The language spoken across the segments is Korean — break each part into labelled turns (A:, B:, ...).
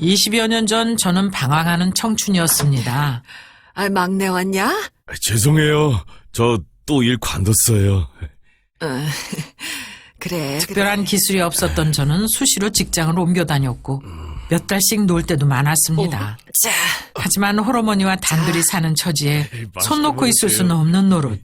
A: 20여 년 전 저는 방황하는 청춘이었습니다.
B: 아, 막내 왔냐?
C: 죄송해요. 저 또 일 관뒀어요.
B: 그래.
A: 특별한 기술이 없었던 저는 수시로 직장을 옮겨 다녔고 몇 달씩 놀 때도 많았습니다.
B: 자,
A: 하지만 홀어머니와 단둘이 사는 처지에 손 놓고 있을 수는 없는 노릇.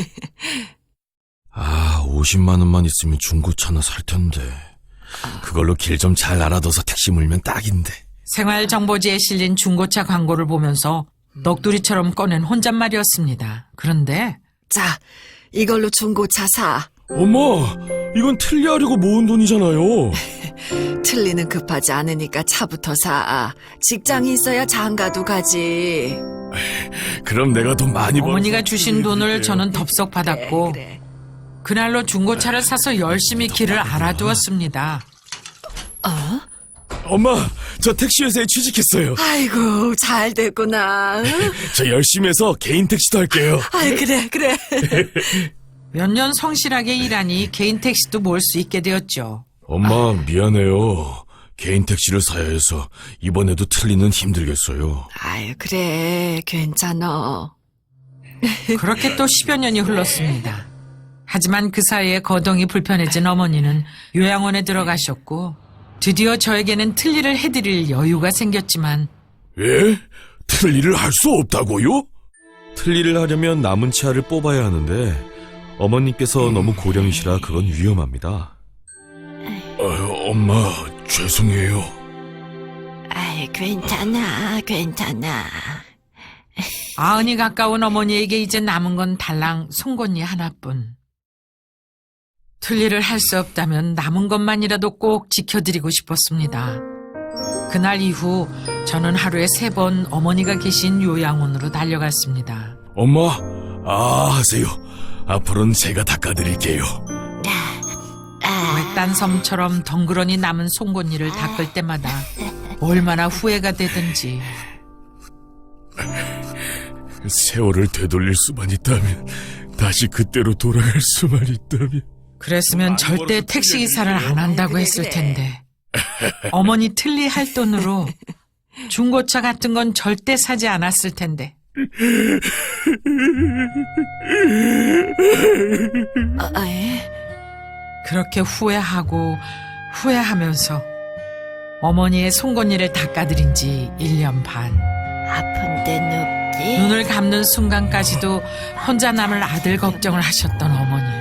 C: 50만 원만 있으면 중고차나 살 텐데. 그걸로 길 좀 잘 알아둬서 택시 물면 딱인데.
A: 생활정보지에 실린 중고차 광고를 보면서 넋두리처럼 꺼낸 혼잣말이었습니다. 그런데
B: 자, 이걸로 중고차 사.
C: 엄마, 이건 틀리하려고 모은 돈이잖아요.
B: 틀리는 급하지 않으니까 차부터 사. 직장이 있어야 장가도 가지.
C: 그럼 내가 돈 많이 벌어서
A: 어머니가 주신 돈을 저는 덥석 받았고
B: 그래.
A: 그날로 중고차를 사서 열심히 길을 알아두었습니다.
C: 엄마, 저 택시회사에 취직했어요.
B: 아이고, 잘 됐구나.
C: 저 열심히 해서 개인 택시도 할게요.
B: 아이, 그래.
A: 몇 년 성실하게 일하니 개인 택시도 몰 수 있게 되었죠.
C: 엄마, 미안해요. 개인 택시를 사야 해서 이번에도 틀리는 힘들겠어요.
B: 아유, 그래. 괜찮아.
A: 그렇게 또 10여 년이 흘렀습니다. 하지만 그 사이에 거동이 불편해진 어머니는 요양원에 들어가셨고 드디어 저에게는 틀니를 해드릴 여유가 생겼지만
C: 예? 틀니를 할 수 없다고요? 틀니를 하려면 남은 치아를 뽑아야 하는데 어머님께서 너무 고령이시라 그건 위험합니다. 엄마, 죄송해요.
B: 아이, 괜찮아.
A: 아흔이 가까운 어머니에게 이제 남은 건 달랑 송곳니 하나뿐. 틀니를 할 수 없다면 남은 것만이라도 꼭 지켜드리고 싶었습니다. 그날 이후 저는 하루에 3번 어머니가 계신 요양원으로 달려갔습니다.
C: 엄마, 하세요. 앞으로는 제가 닦아드릴게요.
A: 외딴 섬처럼 덩그러니 남은 송곳니를 닦을 때마다 얼마나 후회가 되든지.
C: 세월을 되돌릴 수만 있다면, 다시 그때로 돌아갈 수만 있다면.
A: 그랬으면 절대 택시기사를 안 한다고 했을 텐데. 어머니 틀니 할 돈으로 중고차 같은 건 절대 사지 않았을 텐데. 그렇게 후회하면서 어머니의 송곳니를 닦아드린 지 1년 반.
B: 아픈 데는 없지?
A: 눈을 감는 순간까지도 혼자 남을 아들 걱정을 하셨던 어머니.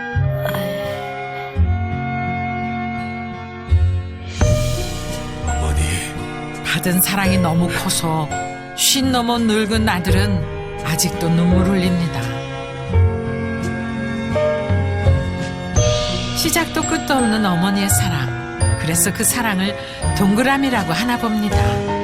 A: 받은 사랑이 너무 커서 50 넘은 늙은 아들은 아직도 눈물 흘립니다. 시작도 끝도 없는 어머니의 사랑. 그래서 그 사랑을 동그라미라고 하나 봅니다.